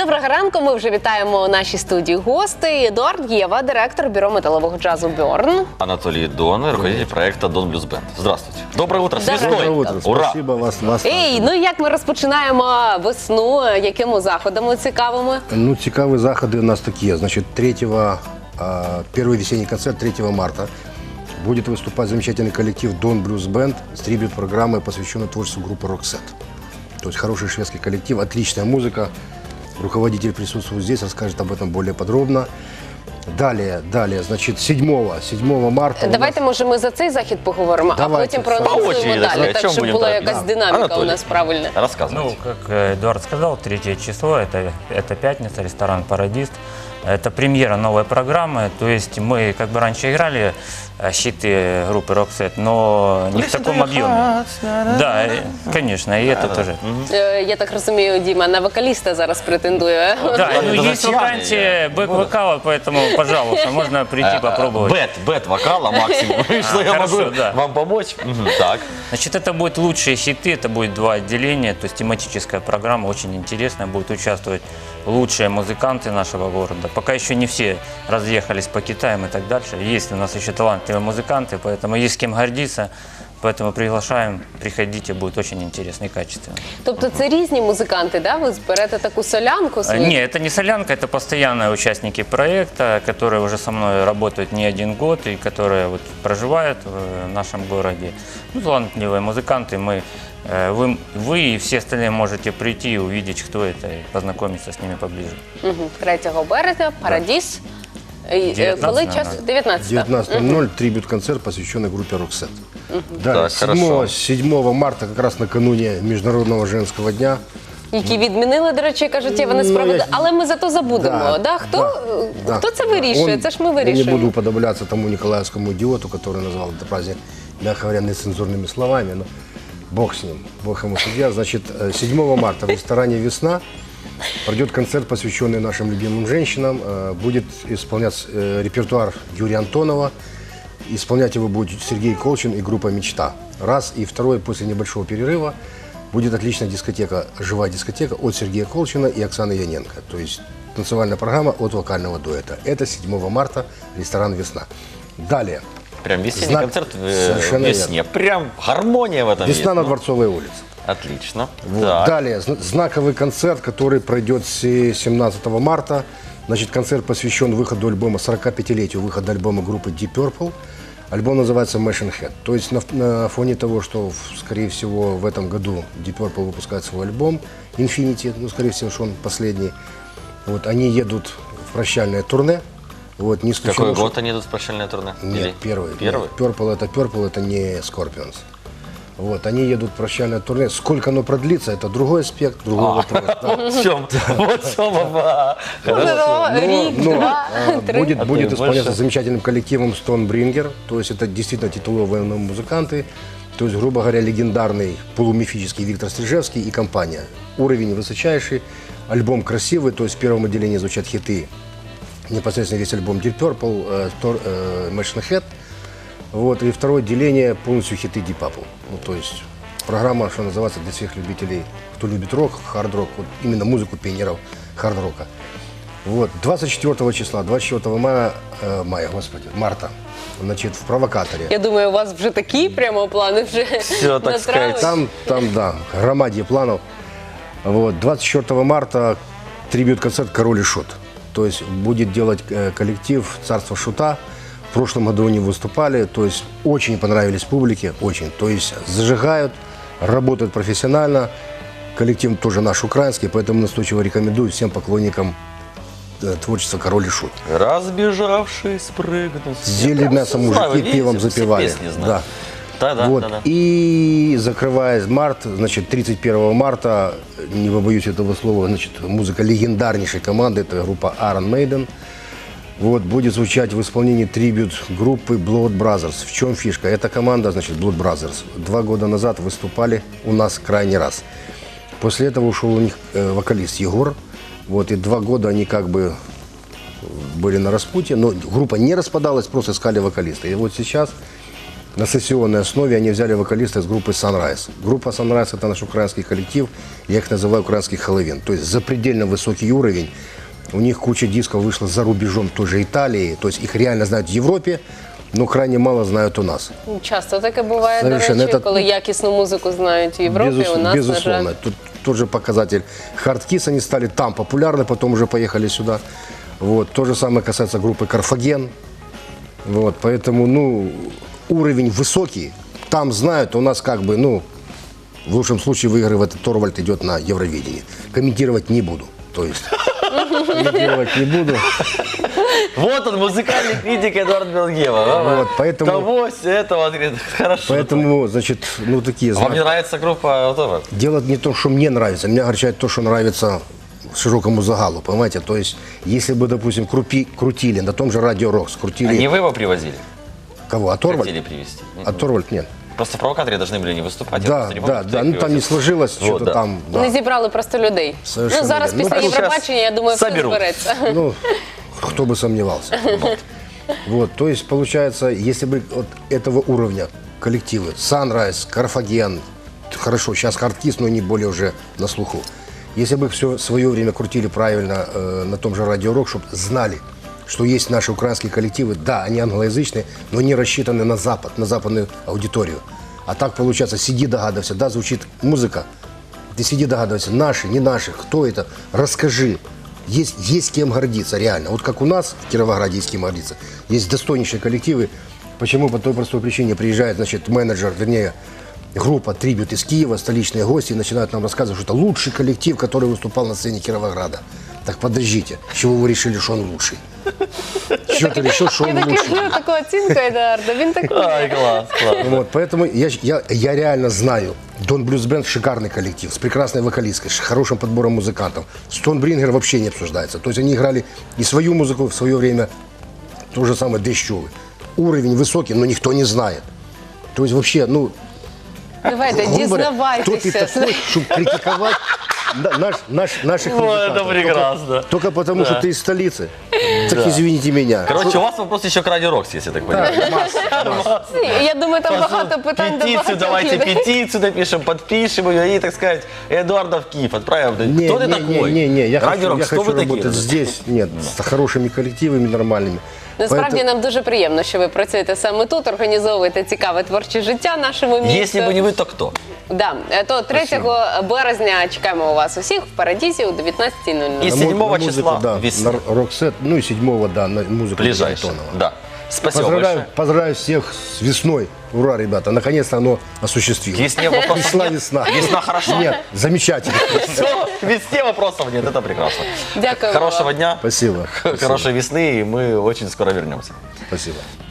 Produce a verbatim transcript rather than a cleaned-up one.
Доброго ранку. Ми вже вітаємо у нашій студії гостей. Едуард Єва, директор бюро металового джазу «Бёрн». Анатолий Дон, руководитель проекта «Дон Блюз Бенд». Здравствуйте. Доброе утро. С весной. Доброе утро. Ура. Спасибо вас. вас Ей, ну як ми розпочинаємо весну? Якими заходами цікавими? Ну, цікаві заходи у нас такі. Значит, третьего, а, первый весенний концерт третьего марта будет выступать замечательный коллектив «Дон Блюз Бенд» с трибют-программой, посвященной творчеству группы «Роксет». То есть хороший шведский коллектив, отличная музыка. Руководитель присутствует здесь, расскажет об этом более подробно. Далее, далее, значит, седьмого марта... Давайте, може, ми за цей захід поговоримо, Давайте. а потім проанонсуємо далі, так, щоб була якась динаміка Анатолий, у нас правильна. Рассказывайте. Ну, как Эдуард сказал, третье число, это, это пятница, ресторан «Парадист». Это премьера новой программы, то есть мы как бы раньше играли хиты группы «Роксет», но не в таком объеме. Да, конечно, и это тоже. Е, Я так розумію, Діма на вокаліста зараз претендує. Да, ну Это есть зачем? вакансия бэк-вокала, поэтому, пожалуйста, можно прийти попробовать. Бет, бет вокала максимум. Что я хорошо, могу да. вам помочь? Мгм, Так. Значит, это будут лучшие хиты, это будет два отделения, то есть тематическая программа, очень интересная, будут участвовать лучшие музыканты нашего города. Пока еще не все разъехались по Китаям и так дальше. Есть у нас еще талантливые музыканты, поэтому есть с кем гордиться. Поэтому приглашаем, приходите, будет очень интересно и качественно. Тобто це різні музиканти, да? Ви зберете таку солянку А, свою? Не, это не солянка, это постоянные участники проекта, которые уже со мной работают не один год и которые вот проживают в нашем городе. Ну, талантливые музыканты, мы, э, вы, вы и все остальные можете прийти и увидеть, кто это, и познакомиться с ними поближе. Мгм. третього березня, «Парадіс». І, е, дев'ятнадцятого Коли час? дев'ятнадцятого. девятнадцатого ноль трибют-концерт, посвященный группе «Роксет». Далее, Так, седьмого, хорошо. седьмого марта, как раз накануне Международного женского дня, Які відмінили, до речі, кажуть, Єва, несправедливо. я- Але ми зато забудемо. Да, Да, Хто, да, хто да. це вирішує? Он- Це ж ми Я не вирішуємо. буду уподобляться тому николаевскому идиоту, который назвал этот праздник, мягко говоря, нецензурными словами, но бог с ним, бог ему судья. Значит, э, седьмого марта в ресторане «Весна» пройдет концерт, посвященный нашим любимым женщинам. Э, Будет исполнять э, репертуар Юрия Антонова. Исполнять его будет Сергей Колчин и группа «Мечта». Раз. И второй, после небольшого перерыва, будет отличная дискотека, живая дискотека от Сергея Колчина и Оксаны Яненко. То есть танцевальная программа от вокального дуэта. Это седьмого марта, ресторан «Весна». Далее. Прям весенний Знак- концерт в Совершенно весне. Прям гармония в этом есть. «Весна» на Ну, Дворцовой улице. Отлично. Вот. Так. Далее, зна- знаковый концерт, который пройдет с семнадцатого марта. Значит, концерт посвящен выходу альбома, сорокапятилетию выхода альбома группы Deep Purple. Альбом называется Machine Head. То есть на, на фоне того, что, в- скорее всего, в этом году Deep Purple выпускает свой альбом Infinity, ну, скорее всего, что он последний. Вот, они едут в прощальное турне. Вот, не исключено, Какой что- год они идут в прощальное турне? Нет, Или- первый. Первый? Нет, Purple это Purple, это не Scorpions. Вот, они едут в прощальное турне. Сколько оно продлится, это другой аспект, другой А. вопрос. Да. В чем? Вот в чем оба. Можливо, рік, Но, два, а, три. будет, А то будет и исполняться больше. замечательным коллективом Stonebringer. То есть это действительно титуловые музыканты. То есть, грубо говоря, легендарный полумифический Виктор Стрижевский и компания. Уровень высочайший, альбом красивый. То есть в первом отделении звучат хиты. Непосредственно весь альбом Deep Purple, э, Stor- э, Machine Head. Вот, и второе отделение полностью хиты Deep Purple. Ну, то есть программа, что называется, для всех любителей, кто любит рок, хард-рок, вот именно музыку пионеров хард-рока. Вот, двадцать четвёртого числа, двадцать четвёртого мая, э, мая, господи, марта, значит, в «Провокаторе». Я думаю, у вас вже такі прямо плани вже Всё, так сказать. натравили. Там, там, да, громадье планов. Вот, двадцать четвёртого марта трибют-концерт «Король и Шут». То есть будет делать э, коллектив «Царство Шута». В прошлом году они выступали, то есть очень понравились публике, очень. То есть зажигают, работают профессионально. Коллектив тоже наш украинский, поэтому настойчиво рекомендую всем поклонникам э, творчества «Король и Шут». Разбежавшись, прыгнуть. Съели Я мясо прям мужики, знаю, видите, пивом все запивали. песни знаю. Да. Да, да, Вот. да, да. И закрывая март, значит, тридцать первого марта, не побоюсь этого слова, значит, музыка легендарнейшей команды, это группа Iron Maiden. Вот, будет звучать в исполнении трибют группы Blood Brothers. В чем фишка? Эта команда, значит, Blood Brothers, два года назад выступали у нас крайний раз. После этого ушел у них э, вокалист Егор. Вот, и два года они как бы были на распутье, но группа не распадалась, просто искали вокалиста. И вот сейчас на сессионной основе они взяли вокалиста из группы Sunrise. Группа Sunrise – это наш украинский коллектив, я их называю украинский Хэллоуин. То есть запредельно высокий уровень. У них куча дисков вышла за рубежом той же Италии, то есть их реально знают в Европе, но крайне мало знают у нас. Часто таке буває, Совершенно. до речі, Это- коли якісну музику знають в Європі, Безус- у нас, безусловно. на жаль. Тут тот же показатель Hardkiss, они стали там популярны, потом уже поехали сюда. Вот. То же самое касается группы Карфаген. Вот. Поэтому, ну, уровень высокий. Там знают, у нас как бы, ну, в лучшем случае выигрывает Торвальд, идет на Евровидение. Комментировать не буду. То есть комментировать не буду. Вот он, музыкальный критик Эдуард Белгева. Вот, поэтому- Того, этого, говорит, хорошо. Поэтому, значит, ну, такие Вам не знаки. нравится группа Торвальд? Дело не в том, что мне нравится. Меня огорчает то, что нравится широкому загалу, понимаете? То есть, если бы, допустим, крупи, крутили на том же Радио Рокс, крутили... А не вы его привозили? Кого? А Торвальд? Хотели привезти? А Торвальд нет. Просто в провокаторе должны были не выступать. я Да, просто не помню, да, кто да. их Ну, там не привозил. сложилось, Вот, что-то да. там... да. Не зібрали просто людей. Совершенно Ну, зараз верно. після Ну, Євробачення, я думаю, все соберуть. збереться. Ну, кто бы сомневался. Вот, то есть, получается, если бы вот этого уровня коллективы, Sunrise, Карфаген, хорошо, сейчас Hardkiss, но они более уже на слуху. Если бы их все свое время крутили правильно э, на том же Радио Рок, чтобы знали, что есть наши украинские коллективы, да, они англоязычные, но они рассчитаны на Запад, на западную аудиторию. А так получается, сиди догадывайся, да, звучит музыка, ты сиди догадывайся, наши, не наши, кто это, расскажи. Есть, есть кем гордиться, реально. Вот как у нас в Кировограде есть кем гордиться. Есть достойнейшие коллективы. Почему? По той простой причине приезжает, значит, менеджер, вернее, группа «Трибют» из Киева, столичные гости, и начинают нам рассказывать, что это лучший коллектив, который выступал на сцене Кировограда. Так подождите, с чего вы решили, что он лучший? С чего ты решил, что Я он так лучший? люблю таку оцінку Едуарда, він такий. Ай, класс, класс. Вот, поэтому я, я, я реально знаю, Дон Блюз Бенд шикарный коллектив, с прекрасной вокалисткой, с хорошим подбором музыкантов. Стоунбрингер вообще не обсуждается. То есть они играли и свою музыку в свое время, то же самое Дэщевы. Уровень высокий, но никто не знает. То есть вообще, ну, Давайте, грубо говоря, кто ты дізнавайтеся. такой, чтобы критиковать да, наш, наш, наших Ой, музыкантов? это прекрасно. Только, только потому, что ты из столицы. Так извините меня. Короче, у вас вопрос еще к Радио Рокс, если я так понимаю. Я думаю, там багато питань до Петицию, багатьох давайте людей. петицию напишем, подпишем ее и, так сказать, Эдуарда в Киев отправим. Не, Кто ты не, такой? Не, не, не, я Радио хочу, Рокс, я кто хочу вы такие? работать здесь, нет, с хорошими коллективами нормальными. Насправді Поэтому- нам дуже приємно, що ви працюєте саме тут, організовуєте цікаве творче життя нашому місту. Если бы не вы, то кто? Да, то третього березня чекаємо вас усіх в Парадізі о дев'ятнадцятій нуль нуль. И На му- седьмого на музыку, числа да, весны. на Роксет, ну и седьмого, да, на музыку Ближайшее. Антонова. Да. Спасибо Поздравляю, большое. поздравляю всех с весной. Ура, ребята, наконец-то оно осуществилось. Весне вопросов Весна, нет? весна. Весна хорошо? Нет, замечательно. Все, весне вопросов нет, это прекрасно. Дякую Хорошего вам. дня, Спасибо. хорошей весны, и мы очень скоро вернемся. Спасибо.